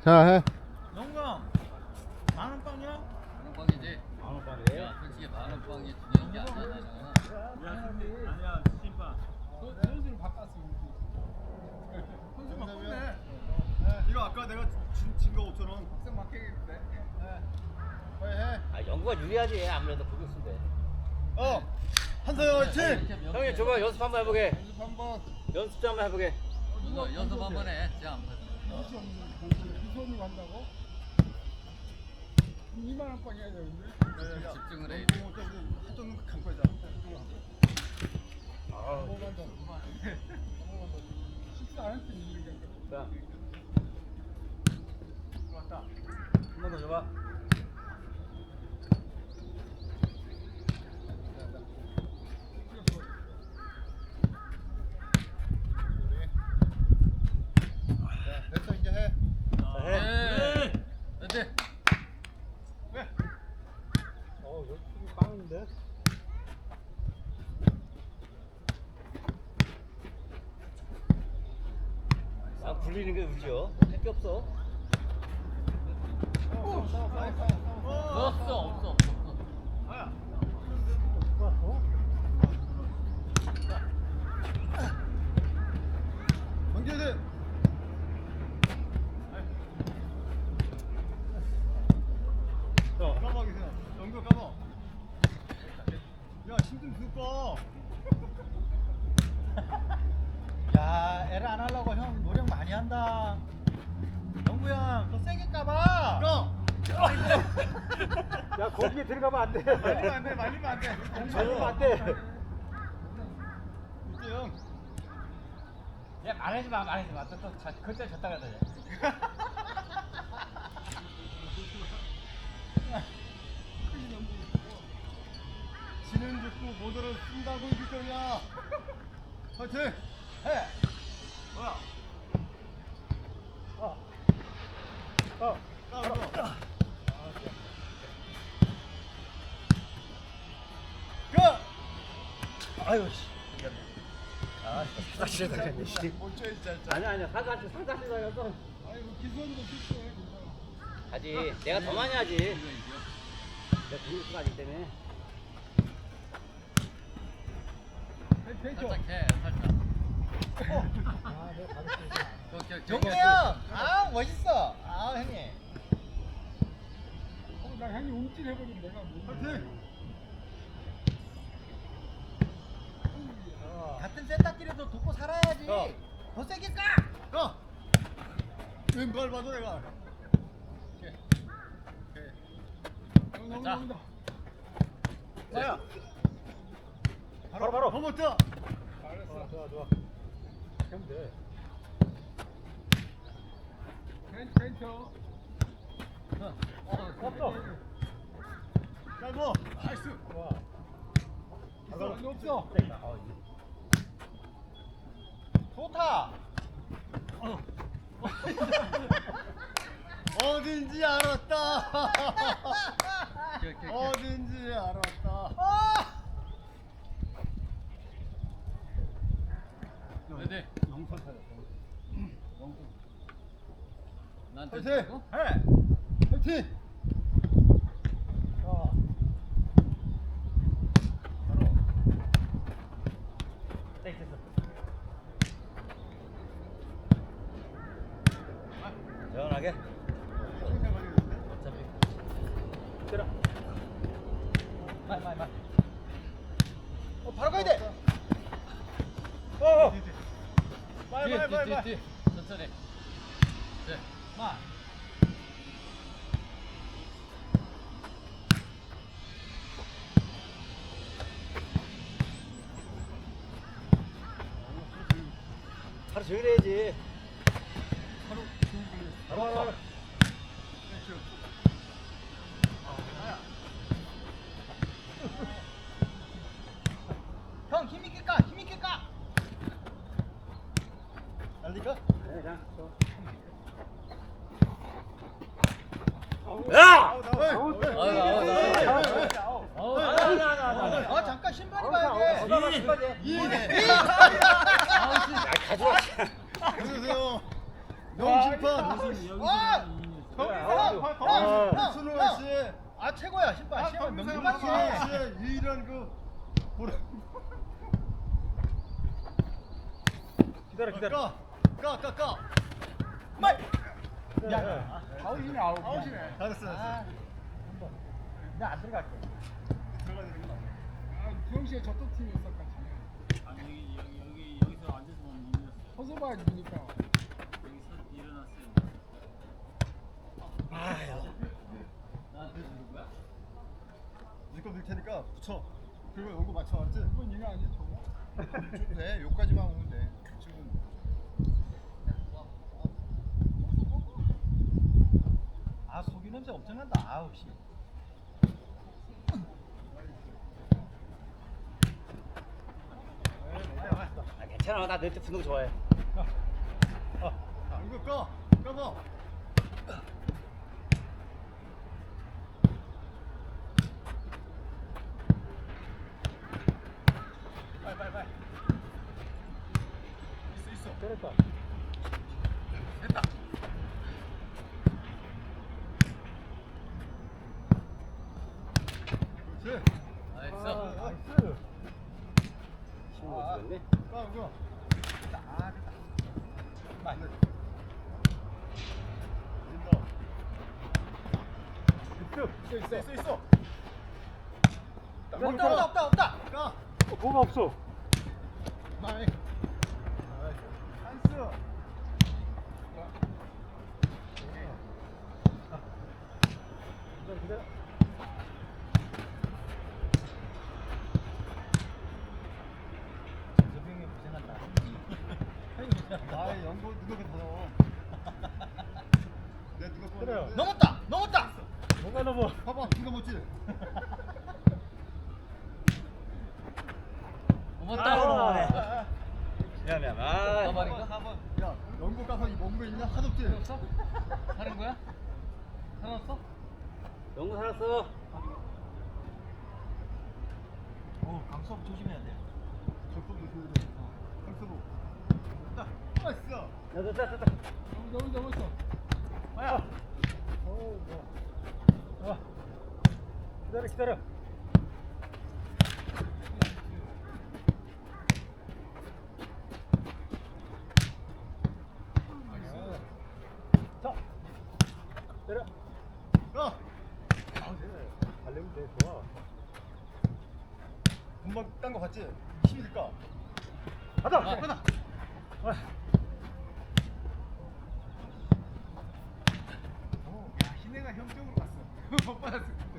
자, 해. 영구형 만원 빵이야? 만원빵이지. 만원빵이래? 야, 솔직히 만원빵이 중요한 게 아니야. 아니야 심판 선수를 바꿨어. 선수 바꿨네. 이거 아까 내가 진거 5,000원 학생 맡기겠는데. 빨리 해. 아 영구가 유리하지 아무래도 공격수인데. 한서영 화이팅! 형님 저거 연습 한번 해보게. 연습 한번. 연습 좀 한번 해보게. 연습 한번 해. 자, 비선이 간다고? 2만 원 빵 해야 되는데. 집중을 해. 한정 감고 하자. 넘어간다. 식사 안 했더니 이렇게. 자, 들어왔다. 한 번 더 줘봐. 됐어 이제 해. 자, 해. 네. 왜? 여기 빵인데? 아 굴리는 게 의지요. 할 게 없어. 없어. 아야. 경기대. 까봐 계세요. 영규 까봐. 야 힘좀 줄까? 야, 애를 안 하려고 형 노력 많이 한다. 영구야, 더 세게 까봐. 까. 야 거기에 들어가면 안 돼. 말리면 안 돼. 말리면 안 돼. 말리면 안 돼. 이재영. 야 말하지 마. 또 그때 졌다 가자. 지는 듣고 모두를 쓴다고 이길 거냐? 화이팅! 해! 뭐야? 까불어. 고! 아유 씨. 아 사실 당했네 씨. 못 쳐, 진짜. 아니야 사사시 당했어. 아이고 기선도 실수해. 하지. 내가 더 많이 하지. 내가 공격수가 아니기 때문에. 벤처. 살짝 해. 살짝. 영구 형, 아 멋있어. 아 형님. 나 형이 움찔해버리면 내가 뭐. 화이팅! 같은 세탁기라도 돕고 살아야지. 더 세게 까. 가! 왼발 봐도 내가. 나온다. 자야! 바로. 더 못자! 잘했어. 좋아. 하면 돼. 벤처. 없어. 짧어! 나이스! 좋아. 기선 없어. 좋다. 어딘지 알았다! 어딘지 알았다! 네. 영선 찾았어. 나한테 화이팅! 주고? 해! 화이팅! 시원하게. 평생 걸리는데? 어차피. 들어. 말. 바로 가야 돼. 빨리. 뒤. 천천히. 네. 마. 하루 종일 해야지. 바로. 형 힘있게 까. 힘있게 까. 날리까? 네, 그냥. 야! 야! 잠깐 신발이 봐야 돼. 이! 가져와. 안녕하세요. 명심판. 형, 아 최고야 신발. 신발 명심하지. 유일한 그 보라. 기다려. 까. 말. 야, 아웃이네 아웃이네. 잘했어. 나안 들어갈게. 들어가야 되는 거 맞아. 아, 주영 씨가 저쪽 팀이었어 같이. 아니 여기서 앉아서 보면 이겼어. 서서 봐야지 보니까. 여기서 일어났어요. 나한테 주는 거야? 니꺼 넣을 테니까 붙여. 그리고 연구 맞춰 알았지? 이건 얘가 아니야 저거? 줘도 돼. 요까지만 오면 돼. 지금. 아 속이 냄새 엄청 난다. 아우 씨. 아, 괜찮아. 나 넷째 붙는 거 좋아해. 연구 까봐. 빨리. 있어. 때렸다. 됐다. 그렇지. 나이스. 나이스. 신문 못 찍었네. 까 연구야. 말. 있어. 없다. 까. 뭐가 없어. 말. 찬스. 기다려. 조병이 고생한다. 아, 연구 누가 더 넣어? 내 누가 그래요. 넘었다. 뭐가 넘어? 봐봐, 누가 먹지? 고맙다. 미안. 아, 가발인가? 야, 연구 가서 이 먹는 거 있냐? 하도 없지? 없어? 사는 거야? 사놨어? 영구 살았어. 강수업 조심해야 돼. 적도 조심해야 돼. 강서도. 나이스. 됐다. 너무 넘었어. 마야. 오, 뭐. 기다려. 자, 내려. 가. 달리면 돼, 좋아. 금방 딴 거 같지? 힘이 들까? 가자. 야, 희내가 형 쪽으로 갔어. 못 받았어.